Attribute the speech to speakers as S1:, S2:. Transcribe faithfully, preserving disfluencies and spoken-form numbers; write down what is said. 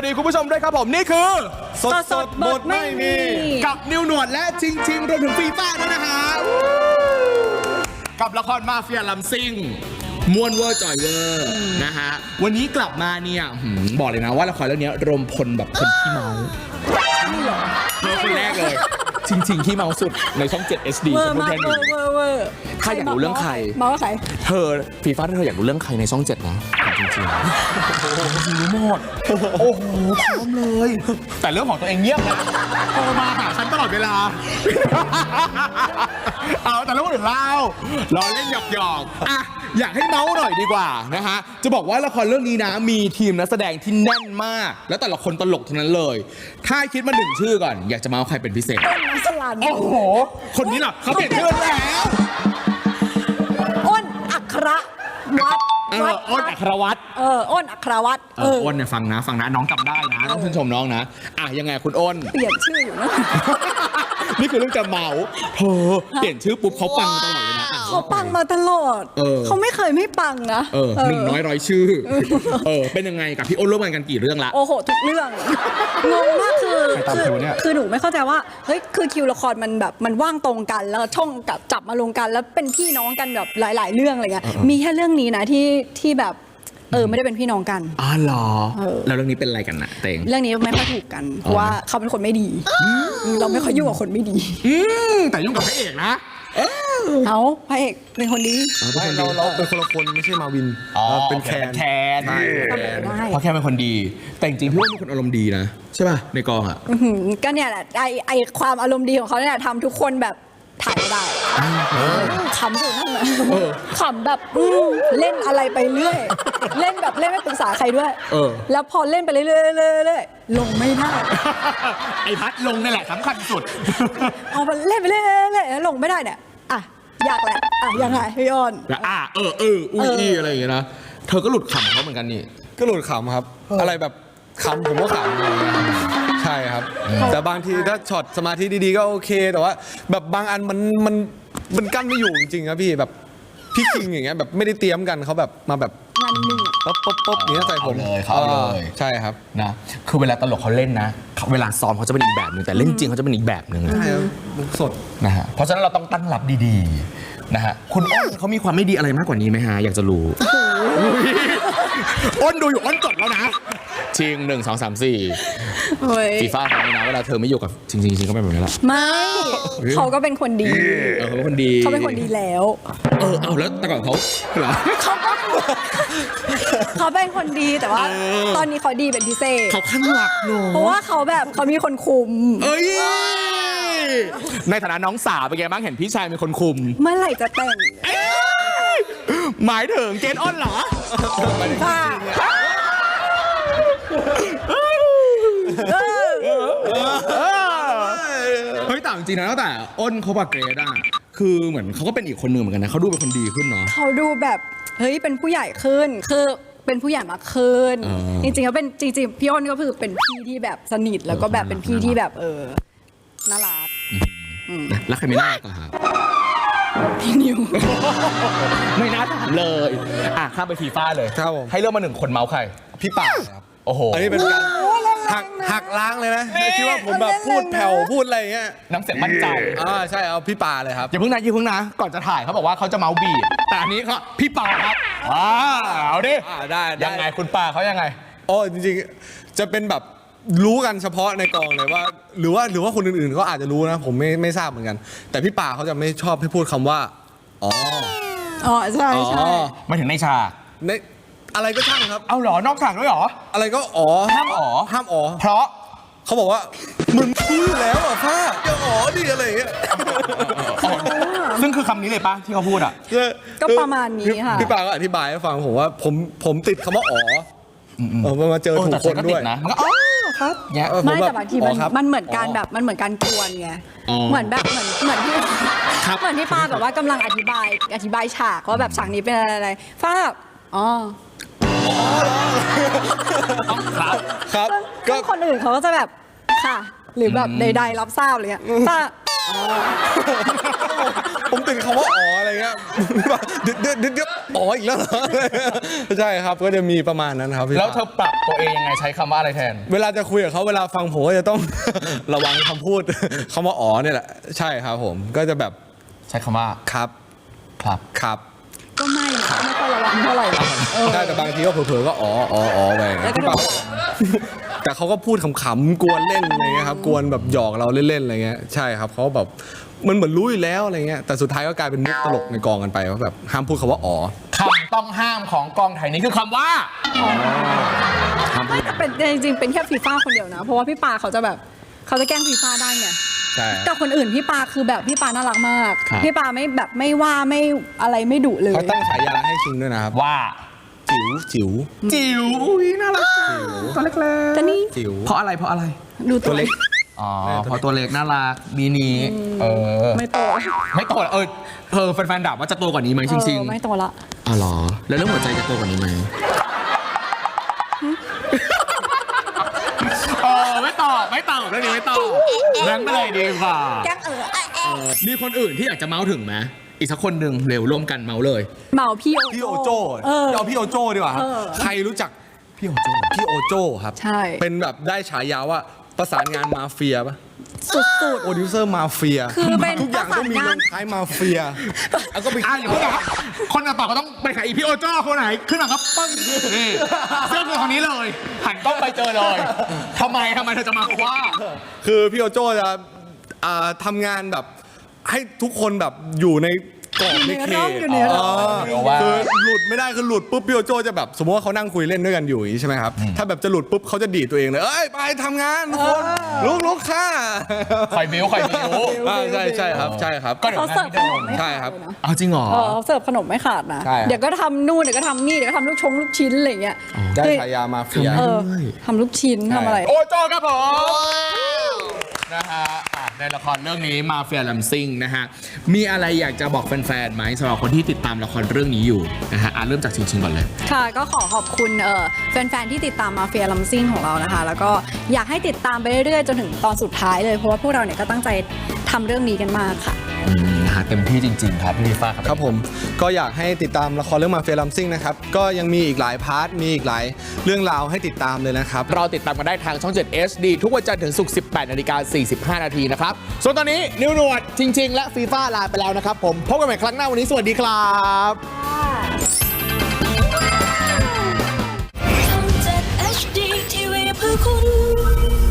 S1: ดีคุณผู้ชมด้วยครับผมนี่คือ
S2: สดสดบทไม่มี
S1: กับนิวหนวดและชิงชิงรวมถึงฟีฟ่าด้วยนะฮะกับละครมาเฟียลำซิ่งมวนเวอร์จ่อยเวอร์นะฮะวันนี้กลับมาเนี่ยบอกเลยนะว่าละครเรื่องนี้รวมพลแบบคนขี้เมาเธอคนแรกเลยชิงชิงขี้เมาสุดในช่องเจ็ด เอช ดี
S2: เวอร์มากเวอร์เวอร์เวอร์
S1: ถ้าอยากรู้เรื่องใคร
S2: เมาว่าใคร
S1: เธอฟีฟ่าถ้าเธออยากรู้เรื่องใครในช่องเจ็ดนะจริงจริงรู้หมดโอ้โหพร้อมเลยแต่เรื่องของตัวเองเงียบนะโทรมาหาฉันตลอดเวลาเอาแต่เรื่องอื่นเล่าล้อเล่นหยอกหยอกอ่ะอยากให้เมาส์หน่อยดีกว่านะฮะจะบอกว่าละครเรื่องนี้นะมีทีมนักแสดงที่แน่นมากแล้วแต่ละคนตลกทั้งนั้นเลยถ้าคิดมาหนึ่งชื่อก่อนอยากจะเมาส์ใครเป็นพิเศษ
S2: ต้นน้ำสลัน
S1: โอ้โหคนนี้หรอเขาเปลี่ยนชื่อแล้ว
S2: อ้นอัครวัฒน์
S1: เอออ้นอัครวัฒน์
S2: เอออ้นอัครวัฒน์
S1: เอออ้นเนี่ยฟังนะฟังนะน้องจำได้นะต้องชื่นชมน้องนะอ่ะยังไงคุณอ้น
S2: เปลี่ยนชื่ออยู่นะ
S1: นี่คือเรื่องจะเมาเธอเปลี่ยนชื่อปุ๊บเขาปังตลอดเลยนะ
S2: เขาปังมาตลอดเขาไม่เคยไม่ปังนะ
S1: เออหนึ่งน้อยร้อยชื่อเออเป็นยังไงกับพี่อ้นร่วมงานกันกี่เรื่องละ
S2: โอ้โหทุกเรื่องงงมากคือคือคือหนูไม่เข้าใจว่าเฮ้ยคือคิวละครมันแบบมันว่างตรงกันแล้วช่องกับจับมาลงกันแล้วเป็นพี่น้องกันแบบหลายๆเรื่องอะไรเงี้ยมีแค่เรื่องนี้นะที่ที่แบบเออไม่ได้เป็นพี่น้องกัน
S1: อ๋อเหรอแล้วเรื่องนี้เป็นอะไรกันนะเตง
S2: เรื่องนี้ไม่ค่อยถูกกันเพราะว่าเขาเป็นคนไม่ดีเราไม่ค่อยยุ่งกับคนไม่ดี
S1: แต่ยุ่งกับพระเอกนะ
S2: เอาพระเอกเป็นคนดี
S3: เราเราเป็นคนละคนไม่ใช่มาวินเป็นแคน
S1: แคนเพราะแค่เป็นคนดีแต่จริงๆพี่ว่าเป็นคนอารมณ์ดีนะใช่ป่ะในกองอ่ะ
S2: ก็เนี่ยแหละไอไอความอารมณ์ดีของเขาเนี่ยทำทุกคนแบบถ่ายได้ขำอยู่นั่นแหละขำแบบเล่นอะไรไปเรื่อยเล่นแบบเล่นไม่ปรึกษาใครด้วยแล้วพอเล่นไปเรื่อยๆลงไม่ได้
S1: ไอพัดลงนี่แหละสำคัญสุด
S2: พอมันเล่นไปเรื่อยๆแล้วลงไม่ได้เนี่ยอ่ะยากแหละอ่ะยังไงพี่อ้น
S1: อ่ะเออเอออุ้ยอะไรอย่างเงี้ยนะเธอก็หลุดขำเขาเหมือนกันนี่
S3: ก็หลุดขำครับอะไรแบบขำผมก็ขำใช่ครับแต่บางทีถ้าช็อตสมาธิดีๆก็โอเคแต่ว่าแบบบางอันมันมันมันกั้นไม่อยู่จริงๆครับพี่แบบพี่คิงอย่างเงี้ยแบบไม่ได้เตรียมกันเขาแบบมาแบบ
S2: งานหนึ่ง
S3: ป๊บป๊บป๊บอย่างเงี้ยใส่ผม
S1: เลยเขาเลย
S3: ใช่ครับ
S1: นะคือเวลาตลกเขาเล่นนะเวลาซ้อมเขาจะเป็นอีกแบบนึงแต่เล่นจริงเขาจะเป็นอีกแบบนึง
S3: ใช่สด
S1: นะฮะเพราะฉะนั้นเราต้องตั้งรับดีๆนะฮะคุณอ้นเขามีความไม่ดีอะไรมากกว่านี้ไหมฮะอยากจะรู้อ้นดูอยู่อ้นจดแล้วนะชิงหนึ่งสองสามสี่ฟีฟ่าเขาเนี่ยนะเวลาเธอไม่อยู่กับจริงๆจริงก็เป็นแบบนี้แหละ
S2: ไม่เขาก็เป็นคนดี
S1: เออเขาเป็นคนดี
S2: เขาเป็นคนดีแล้ว
S1: เออเอาแล้วแต่ก่อนเขาเหรอ
S2: เขาก็เขาเป็นคนดีแต่ว่าตอนนี้เขาดีเป็นพิเศษ
S1: เขาข้างหลักหนู
S2: เพราะว่าเขาแบบเขามีคนคุม
S1: เอ้ยในฐานะน้องสาวเป็นไงบ้างเห็นพี่ชายมีคนคุม
S2: เมื่อไหร่จะแต่ง
S1: หมายถึงเกณฑ์อ้นเหรอ
S2: ค่ะ
S1: เฮ้ยแต่จริงๆนะตั้งแต่อ้นเขากับเกรดอะคือเหมือนเขาก็เป็นอีกคนหนึ่งเหมือนกันนะเขาดูเป็นคนดีขึ้นเนาะ
S2: เขาดูแบบเฮ้ยเป็นผู้ใหญ่ขึ้นคือเป็นผู้ใหญ่มากขึ้นจริงๆเขาเป็นจริงๆพี่อ้นก็คือเป็นพี่ที่แบบสนิทแล้วก็แบบเป็นพี่ที่แบบเออน่ารัก
S1: แล้วใครไม่น่ารักอะครับ
S2: พี่นิว
S1: ไม่น่าถามเลยอ่ะข้ามไปฟีฟ่าเลยให้เลือกมาหนึ่งคนเมาส์ใคร
S3: พี่ป่าครับ
S1: โอ้โห
S3: อันนี้เป็นการหักหักล้างเลยนะคิดว่าผมแบบพูดแผ่วพูดอะไรเงี้ย
S1: น้ำเสียงมั่นใจ
S3: อ่าใช่เอาพี่ป่าเลยครับ
S1: อย่าเพิ่งนะอย่าเพิ่งนะก่อนจะถ่ายเขาบอกว่าเขาจะเมาส์บีบแต่อันนี้เขาพี่ป่าครับว้าวเอาดิ
S3: ได้
S1: ยังไงคุณป่าเขายังไง
S3: โอ้จริงๆจะเป็นแบบรู้กันเฉพาะในกองเลยว่าหรือว่าหรือว่าคนอื่นๆก็อาจจะรู้นะผมไม่ไม่ทราบเหมือนกันแต่พี่ป่าเขาจะไม่ชอบให้พูดคำว่าอ๋อ
S2: อ๋อใช่ใช่
S1: มาถึงในฉาก
S3: ในอะไรก็ช่างครับ
S1: เอาหรอนอกฉากด้วยหรอ
S3: อะไรก็อ๋อ
S1: ห้ามอ๋อ
S3: ห้ามอ๋อ
S1: เพราะ
S3: เขาบอกว่ามึงพูดแล้วอ่ะพ่ออย่าอ๋อดิอะไรอย่างเงี้ย
S1: ซึ่งคือคำนี้เลยปะที่เขาพูดอ่ะ
S2: ก็ประมาณนี้ค่ะ
S3: พี่ป่าก็อธิบายให้ฟังผมว่าผมผมติดคำว่าอ๋อเออมาเจอถูกคนด้วย
S1: นะมันก็อ๋อครับ
S2: ไม่แต่บางทีมันมันเหมือนการแบบมันเหมือนการกวนไงเหมือนแบบเหมือนเหมือนที่เหมือนที่ป้าแบบว่ากำลังอธิบายอธิบายฉากว่าแบบฉากนี้เป็นอะไรฟ้าอ๋อ
S1: ครับ
S3: ครับ
S2: ก็คนอื่นเขาก็จะแบบค่ะหรือแบบใดๆรับทราบเลยป้า
S1: โ
S3: ผมติดคำว่าอ๋ออะไรเงี้ยเดือดเดือดเดือดเดือดอ๋ออีกแล้วเหรอใช่ครับก็จะมีประมาณนั้นครับพี่
S1: แล้วเธอปรับตัวเองยังไงใช้คำว่าอะไรแทน
S3: เวลาจะคุยกับเขาเวลาฟังผมก็จะต้อง ระวังคำพูด คำว่าอ๋อเนี่ยแหละใช่ครับผมก็จะแบบ
S1: ใช้คำว่า
S3: ครับ
S1: ครับ
S3: ครับ
S2: ก็ไม่นะไม่ค่อยระวังเท่าไหร่เออ
S3: ใช่แต่บางทีก็เผลอๆก็อ๋ออ๋ออ๋อไป
S2: แล้วก็โดน
S3: แต่เขาก็พูดขำๆกวนเล่นอะไรเงี้ยครับกวนแบบหยอกเราเล่นๆอะไรเงี้ยใช่ครับเขาแบบมันเหมือนรู้อยู่แล้วอะไรเงี้ยแต่สุดท้ายก็กลายเป็นมุกตลกในกองกันไปว่าแบบห้ามพูดคำว่าอ๋อ
S1: คำต้องห้ามของกองถ่ายนี้คือคำว่า
S2: ไม่แต่เป็นจริงๆเป็นแค่ฟีฟ่าคนเดียวนะ เพราะว่าพี่ปาเขาจะแบบเขาจะแกล้งฟีฟ่าได้ไง
S3: ใช่
S2: แต่คนอื่นพี่ปาคือแบบพี่ปาน่ารักมาก
S1: ครับ
S2: พี่ปาไม่แบบไม่ว่าไม่อะไรไม่ดุเลย
S3: เขาตั้งฉายาให้ชิงด้วยนะครับ
S1: ว่า
S3: จิ๋วจิ๋ว
S1: จิ๋วอุ้ยน่ารักตัวเล็ก
S2: แต่นี่
S3: จิ๋ว
S1: ๆเพราะอะไรเพราะอะไร
S2: ดูตัวเล็ก
S1: อ๋อเพราะตัวเล็กน่ารักมีนี้เออ
S2: ไม่โต
S1: ไม่โตเออเออแฟนๆด่าว่าจะโตกว่านี้ไหมจริง
S2: เออไม่โตละ
S1: ๆอ๋อเหรอแล้วเรื่องหัวใจจะโตกว่านี้ไหมเออไม่ตอบไม่ตอบเรื่องนี้ไม่ตอบแบงค์ไปเลยดีกว่า
S2: แกล้งเออเออเออ
S1: มีคนอื่นที่อยากจะเมาส์ถึงไหมอีกสักคนหนึ่งเร็วร่วมกันเมาส์เลย
S2: เหมาพี่
S3: พี่
S2: โอ
S3: โอ
S2: โจ
S3: โจ้
S2: เออ
S3: เอาพี่โอโจ้ดีกว่าครับ
S2: เออ
S3: ใครรู้จักพี่โอโจ้พี่โอโจ้ครับ
S2: ใช่
S3: เป็นแบบได้ฉายาว่าประสานงานมาเฟียปะ
S2: สุด
S3: โปรดิวเซอร์มาเฟีย
S2: คือเป็น
S3: ทุกอย่างต้องมี
S2: ประสานงาน
S3: ลงท้ายมาเฟียแล้วก็ไป
S1: อ่ะอย่าเพิ่งนะครับคนต่อๆก็ต้องไปหาอีพี่โอโจ้คนไหนขึ้นมาครับปึ้งนี่เสื้อคือคนนี้เลยหันกล้องไปเจอเลยทำไมทำไมเธอจะมาว่า
S3: คือพี่โอโจ้จะอ่าทำงานแบบให้ทุกคนแบบอยู่ในกรอบในเขต
S2: อยู่ในร่อง
S1: อยู่ในร่อง
S3: คือหลุดไม่ได้คือหลุดปุ๊บพี่โอโจ้จะแบบสมมติว่าเขานั่งคุยเล่นด้วยกันอยู่อย่างนี้ใช่ไหมครับถ้าแบบจะหลุดปุ๊บเขาจะดีดตัวเองเลยเอ้ยไปทำงานทุกคนลุกลุกค่ะ
S1: คอยบิ้วคอยบิ้ว
S3: อ่าใช่ใช่ครับใช่ครับ
S1: ก็เดี๋ยว
S2: เขา
S1: งา
S2: เสิร์
S1: น
S2: ฟ
S1: ที่
S2: ข
S1: เดิ
S2: น
S1: ม
S2: มไม่
S3: ใช่
S2: ขาด
S3: ครับ
S2: เลยนะ
S1: เอาจริงเหรอ
S2: เออเขาเสิร์ฟขนมไม่ขาดนะ
S3: ใช่ครับ
S2: เดี๋ยวก็ทำนู่นเดี๋ยวก็ทำนี่เดี๋ยวก็ทำลูกชงลูกชิ้นอะไรอย่างเงี้ย
S3: ได้ฉายามาเฟีย
S2: เออทำลูกชิ้นทำอะไร
S1: โอโจ้ครับผมนะฮะอ่ะในละครเรื่องนี้มาเฟียลัมซิงนะฮะมีอะไรอยากจะบอกแฟนๆไหมสำหรับคนที่ติดตามละครเรื่องนี้อยู่นะฮะอ่ะเริ่มจากชิงๆก่อนเลย
S2: ค่ะก็ขอขอบคุณเอ่อแฟนๆที่ติดตามมาเฟียลัมซิ่งของเรานะคะ แล้วก็อยากให้ติดตามไปเรื่อยๆจนถึงตอนสุดท้ายเลยเพราะว่าพวกเราเนี่ยก็ตั้งใจทำเรื่องนี้กันมากค่ะ
S1: อืมนะฮะเต็มที่จริง ๆ ครับพี่ลิฟ้าครับ
S3: ครับผมก็อยากให้ติดตามละครเรื่องมาเฟียลัมซิงนะครับก็ยังมีอีกหลายพาร์ทมีอีกหลายเรื่องราวให้ติดตามเลยนะครับ
S1: เราติดตามกันได้ทางช่อง เจ็ด เอช ดี ทุกวันจันทร์ถึงศุกร์ สิบแปดนาฬิกาสี่สิบห้านาทีนะครับส่วนตอนนี้นิวหนวดจริง ๆ และฟีฟ่าลาไปแล้วนะครับผมพบกันใหม่ครั้งหน้าวันนี้สวัสดีครับ
S4: ทำจาก เอช ดี ที วี เพื่อคุณ